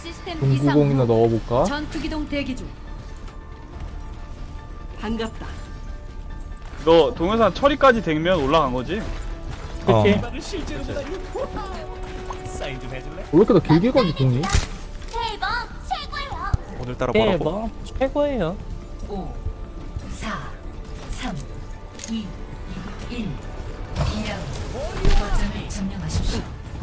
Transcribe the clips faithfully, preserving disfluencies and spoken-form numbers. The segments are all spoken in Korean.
시스템 동구공이나 이상 넣어볼까? 전투기동 대기 중. 반갑다. 너 동영상 처리까지 되면 올라간 거지? 어. 왜 사인 좀 해줄래? 이렇게 더 길게 가지 공이? 대박 최고예요. 오늘따라 뭐라고? 뭐 최고예요. 오, 사, 삼, 이, 일. 이 라운드. 거점을 점령하십시오.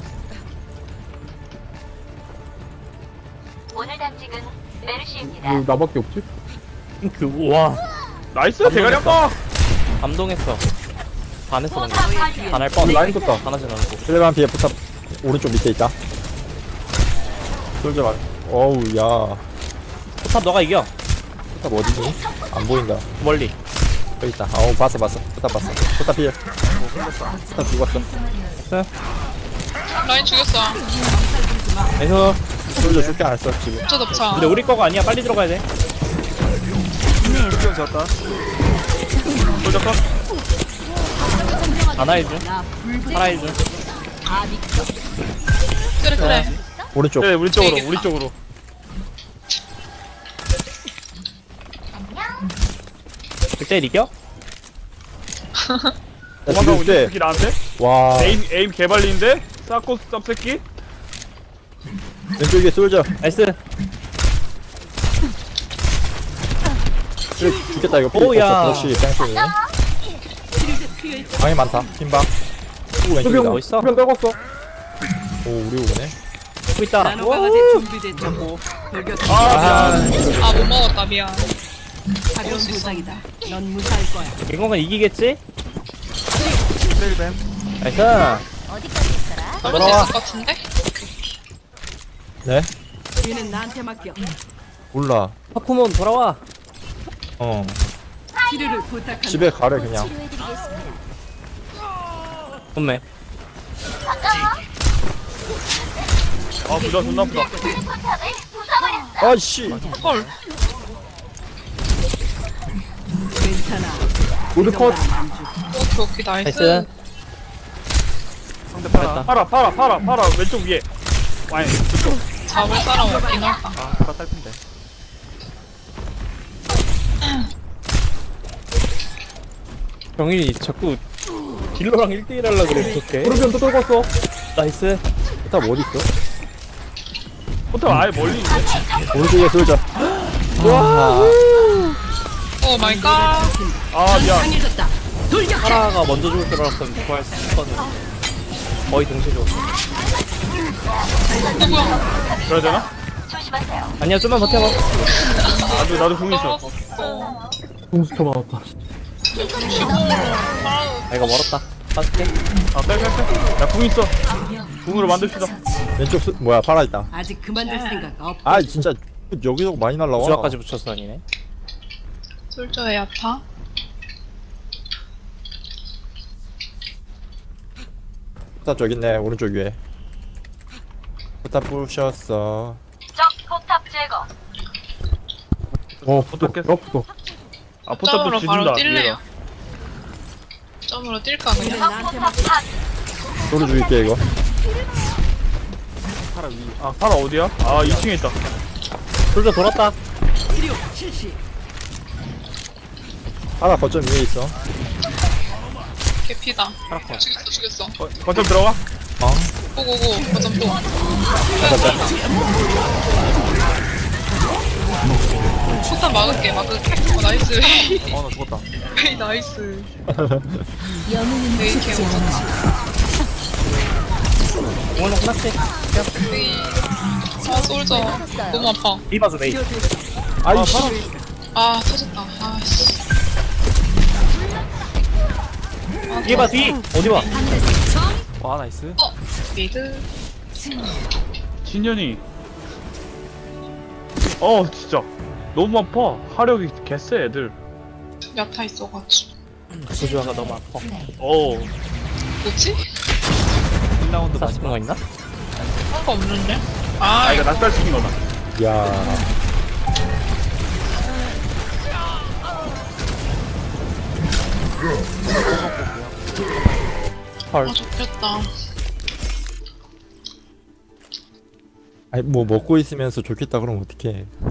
오늘 당직은 메르시입니다. 왜 나밖에 없지? 그와 나이스 대가리 한번. 감동했어. 반했어 방금. 포탑 발견. 반할 뻔. 라인 떴다. 반하진 않고. 필레반 비에 포탑 오른쪽 밑에 있다. 솔져 말. 어우 야. 포탑 너가 이겨. 포탑 어디니? 안 보인다. 멀리. 여기 있다. 어우 봤어 봤어. 포탑 봤어. 포탑 필. 포탑 죽었어. 라인 죽였어. 에서. 솔져 죽게 안 했어 지금. 저 덮쳐. 근데 우리 거가 아니야. 빨리 들어가야 돼. 수경 졌다. 도적 컷. 하나 해줘. 하나 해줘. 그래 그래. 오른쪽. 그래 우리 쪽으로 되겠다. 우리 쪽으로. 그때 이겨? 야, 도망가고 죽일 있는 때. 새끼 나한테. 와. 에임 에임 개발리인데. 싸고 쌉새끼. 왼쪽에 솔져. 나이스. 그래, 죽겠다 이거. 오야. 역시 땡땡이. 방이 많다. 흰방. 오 왼쪽이다. 수병 뭐 있어? 수병 떨궜어. 오 우리 오네. 고 있다. 나노강화제 준비됐고. 돌격. 아, 아 못 먹었다 미안. 가벼운 부상이다. 넌 무사할 거야. 갱공은 이기겠지? 트레일뱀. 나이스. 어디까지 있더라? 잡을 수 있을 것 같은데? 네? 뒤는 나한테 맡겨. 몰라. 파쿠몬 돌아와. 어. 치료를 부탁한다. 집에 가래 그냥. 치료해드리겠습니다. 좋네. 아 부자 존나 아프다. 포탑을 부숴버렸어. 아씨. 헐. 괜찮아. 모두 컷. 오케이 오케이 나이스. 나이스. 상대 팔아. 잘했다. 팔아 팔아 팔아 팔아 왼쪽 위에. 아니 그쪽. 잡을 사람 없긴 하다. 아, 팔아 딸핀데. 병인이 자꾸 딜러랑 일 대일 하려고 그래. 어떡해. 오른편 또 떨궜어. 나이스. 포탑 어디 있어? 포탑 아예 멀리 있는데. 오른쪽에 솔져. 오 마이 갓. 아 미안. 강해졌다. 돌격. 하나가 먼저 죽을 줄 알았으면 구할 수 있거든. 거의 동시에 죽었어. 누구야? 그래야 되나? 조심하세요. 아니야, 좀만 버텨봐. 나도 나도 궁 있어. 떨어졌어. 공수터 맞았다. 아, 이거 멀었다. 빠질게. 아빼빼빼. 나궁 있어. 궁으로 만듭시다. 왼쪽 수, 뭐야 팔아 있다. 아직 그만둘 생각 없. 아 진짜 여기저기 많이 날라와. 주악까지 붙였어, 아니네. 솔저의 야타. 포탑 저기 있네 오른쪽 위에. 포탑 부셨어. 적 포탑 제거. 어 붙어. 깼어. 어 붙어. 아 포탑도 점으로 지진다. 바로 뛸래요. 얘가. 점으로 뛸까 뒤는 그냥? 나한테 포탑 맡겨. 파. 소리 줄게 이거. 팔아 위. 아 팔아 어디야? 아 이 층에 있다. 솔저 돌았다. 치료 실시. 하나 거점 위에 있어. 개피다. 죽였어 죽였어. 거, 거점 들어가. 어? 고고고 거점 또. 폭탄 막을게 막을게. 어 나이스. 어, 나 죽었다. 헤이 나이스. 영웅은 헤이 개 오졌지. 오늘 끝났지? 헤이. 아 솔저 너무 아파. 리바즈 메이. 아이씨. 아 터졌다. 아씨. 뒤에 봐, 뒤! 어디 봐? 와, 나이스. 어 미드. 진현이. 어 진짜 너무 아파. 화력이 개쎄 애들. 야타 있어가지고. 소주아가 너무 아파. 어. 뭐지? 일 라운드 사십 분 거 있나? 한 거 없는데? 아 아 이거 낙살 시킨 거다. 야. 헐. 아 좋겠다. 아니 뭐 먹고 있으면서 좋겠다 그러면 어떡해.